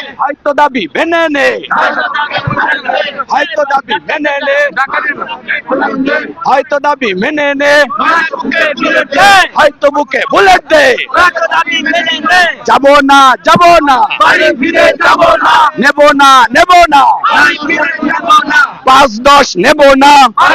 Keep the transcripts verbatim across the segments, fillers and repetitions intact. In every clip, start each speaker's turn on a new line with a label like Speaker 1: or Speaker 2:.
Speaker 1: হয়তো দাবি মেনে নে, হয়তো দাবি মেনে নে, হয়তো দাবি মেনে নে, হয়তো বুকে বুলেট দে, যাবো না যাবো না, নেব না নেব না, পাঁচ দশ নেব না,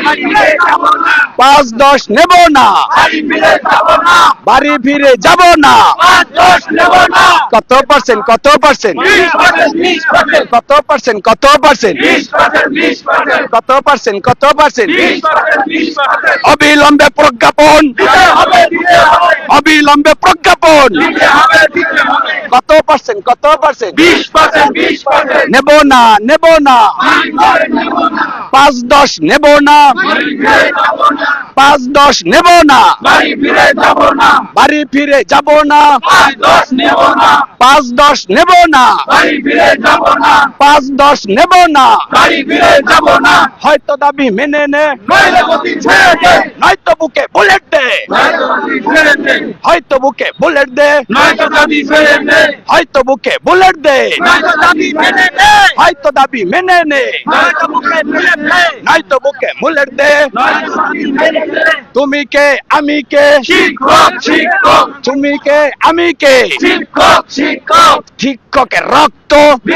Speaker 1: পাঁচ দশ নেব না, বাড়ি ফিরে যাব না। কত পার্সেন্ট কত পার্সেন্ট কত পার্সেন্ট কত পার্সেন্ট কত পার্সেন্ট কত পার্সেন্ট অবিলম্বে প্রজ্ঞাপন, অবিলম্বে প্রজ্ঞাপন। কত পার্সেন্ট কত পার্সেন্ট নেব না নেব না, পাঁচ দশ নেব না, পাঁচ দশ নেব না, বাড়ি ফিরে যাব না, পাঁচ দশ নেব না, পাঁচ দশ নেব না, হয়তো দাবি মেনে নে, নয়তো বুকে বুলেট দে, হয়তো বুকে বুলেট দে, হয়তো বুকে বুলেট দে, হয়তো দাবি মেনে নে, নয়তো বুকে বুলেট দে। তুমি কে আমি কে,
Speaker 2: শিক্ষক শিক্ষক
Speaker 1: তুমি কে আমি কে,
Speaker 2: শিক্ষক শিক্ষক
Speaker 1: শিক্ষকের রক্ত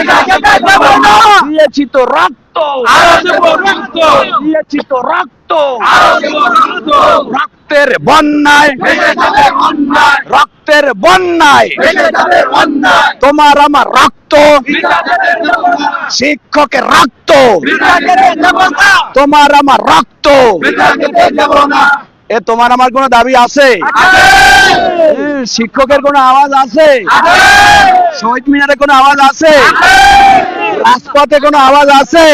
Speaker 1: দিয়েছি তো রক্ত,
Speaker 2: আরো দেব রক্ত,
Speaker 1: দিয়েছি তো রক্ত,
Speaker 2: আরো দেব রক্ত,
Speaker 1: রক্তের বন্যায়,
Speaker 2: ভেসে যাবে অন্যায়,
Speaker 1: রক্তের বন্যায়
Speaker 2: ভেসে যাবে অন্যায়,
Speaker 1: তোমার আমার রক্ত,
Speaker 2: বিনা যেতে দেব না,
Speaker 1: শিক্ষকের রক্ত,
Speaker 2: বিনা যেতে দেব না,
Speaker 1: তোমার আমার রক্ত।
Speaker 2: বিনা যেতে দেব না।
Speaker 1: এ তোমার আমার কোনো দাবি আছে? এ, শিক্ষকের কোনো আওয়াজ আছে? শহীদ মিনারে কোনো আওয়াজ আছে? রাজপথে কোনো আওয়াজ আছে?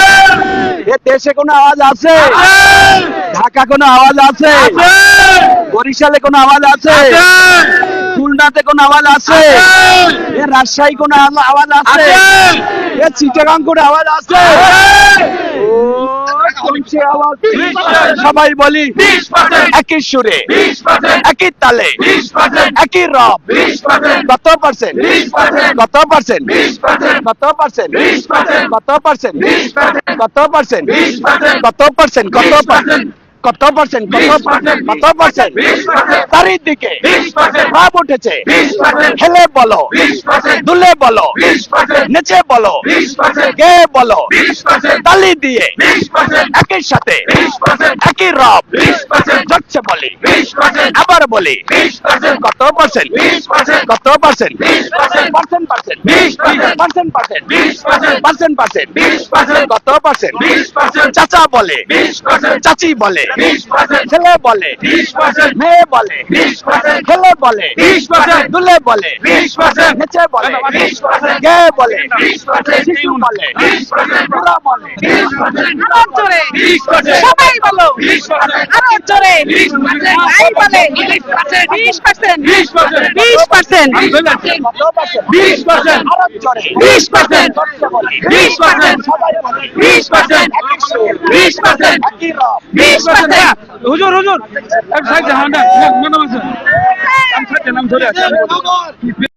Speaker 1: এ দেশে কোনো আওয়াজ আছে? ঢাকা কোনো আওয়াজ আছে? বরিশালে কোনো আওয়াজ আছে? খুলনাতে কোনো আওয়াজ আছে? এ রাজশাহী কোনো আওয়া- আওয়াজ আছে? এ চিটাগাং কোনো আওয়াজ আছে? ও, কোনছে আওয়াজ? সবাই বলি
Speaker 2: বিশ পার্সেন্ট,
Speaker 1: একই সুরে,
Speaker 2: বিশ পার্সেন্ট,
Speaker 1: একই তালে,
Speaker 2: বিশ পার্সেন্ট,
Speaker 1: একই রব।
Speaker 2: বিশ পার্সেন্ট,
Speaker 1: কত পার্সেন্ট
Speaker 2: বিশ পার্সেন্ট,
Speaker 1: কত পার্সেন্ট
Speaker 2: বিশ পার্সেন্ট,
Speaker 1: কত পার্সেন্ট
Speaker 2: বিশ পার্সেন্ট,
Speaker 1: কত পার্সেন্ট
Speaker 2: বিশ পার্সেন্ট,
Speaker 1: কত পার্সেন্ট
Speaker 2: বিশ পার্সেন্ট,
Speaker 1: কত পার্সেন্ট কত
Speaker 2: বিশ
Speaker 1: পার্সেন্ট
Speaker 2: পার্সেন্ট,
Speaker 1: কত পার্সেন্ট কত
Speaker 2: বিশ
Speaker 1: পার্সেন্ট
Speaker 2: পার্সেন্ট,
Speaker 1: কত পার্সেন্ট
Speaker 2: বিশ পার্সেন্ট,
Speaker 1: চারিদিকে
Speaker 2: বিশ পার্সেন্ট,
Speaker 1: ভাব উঠেছে,
Speaker 2: বিশ পার্সেন্ট,
Speaker 1: হেলে বলো,
Speaker 2: বিশ পার্সেন্ট,
Speaker 1: দুলে বলো,
Speaker 2: বিশ পার্সেন্ট,
Speaker 1: নেচে বলো,
Speaker 2: বিশ পার্সেন্ট,
Speaker 1: গে বলো,
Speaker 2: বিশ পার্সেন্ট,
Speaker 1: তালি দিয়ে
Speaker 2: বিশ পার্সেন্ট,
Speaker 1: একই সাথে
Speaker 2: বিশ পার্সেন্ট,
Speaker 1: একই রব
Speaker 2: বিশ পার্সেন্ট,
Speaker 1: জটছে বলি,
Speaker 2: বিশ পার্সেন্ট,
Speaker 1: আবার বলি
Speaker 2: বিশ পার্সেন্ট,
Speaker 1: কত পার্সেন্ট
Speaker 2: বিশ পার্সেন্ট,
Speaker 1: কত পার্সেন্ট
Speaker 2: বিশ পার্সেন্ট,
Speaker 1: পার্সেন্ট পার্সেন্ট
Speaker 2: বিশ পার্সেন্ট,
Speaker 1: পার্সেন্ট পার্সেন্ট
Speaker 2: বিশ পার্সেন্ট,
Speaker 1: পার্সেন্ট পার্সেন্ট
Speaker 2: বিশ পার্সেন্ট,
Speaker 1: কত পার্সেন্ট
Speaker 2: বিশ পার্সেন্ট,
Speaker 1: চাচা বলে,
Speaker 2: বিশ পার্সেন্ট,
Speaker 1: চাচি বলে,
Speaker 2: বিশ পার্সেন্ট,
Speaker 1: ছেলে বলে,
Speaker 2: বিশ পার্সেন্ট,
Speaker 1: মেয়ে বলে,
Speaker 2: বিশ পার্সেন্ট,
Speaker 1: ছেলে বলে,
Speaker 2: বিশ পার্সেন্ট,
Speaker 1: দুলে বলে,
Speaker 2: বিশ পার্সেন্ট,
Speaker 1: নেচে বলে,
Speaker 2: বিশ পার্সেন্ট,
Speaker 1: গে বলে,
Speaker 2: বিশ পার্সেন্ট,
Speaker 1: শিশু বলে,
Speaker 2: বিশ পার্সেন্ট,
Speaker 1: বুড়া বলে,
Speaker 2: বিশ পার্সেন্ট,
Speaker 3: আরো জোরে
Speaker 2: বিশ পার্সেন্ট,
Speaker 3: সবাই বলো
Speaker 2: বিশ পার্সেন্ট,
Speaker 3: আরো জোরে
Speaker 2: বিশ পার্সেন্ট,
Speaker 3: ভাই বলে বিশ পার্সেন্ট বিশ পার্সেন্ট
Speaker 2: বিশ পার্সেন্ট,
Speaker 3: বিশ পার্সেন্ট
Speaker 1: কত পার্সেন্ট
Speaker 2: বিশ পার্সেন্ট,
Speaker 1: আরো জোরে,
Speaker 3: বিশ পার্সেন্ট
Speaker 1: জটছে বলি,
Speaker 2: বিশ পার্সেন্ট,
Speaker 1: সবাই বলে,
Speaker 2: বিশ পার্সেন্ট,
Speaker 1: একই সুর,
Speaker 2: বিশ পার্সেন্ট,
Speaker 1: একই রব
Speaker 2: বিশ পার্সেন্ট,
Speaker 4: হুজুর হুজুর এক সাইড নাম নাম আছে নাম সাইড নাম ধরে আছে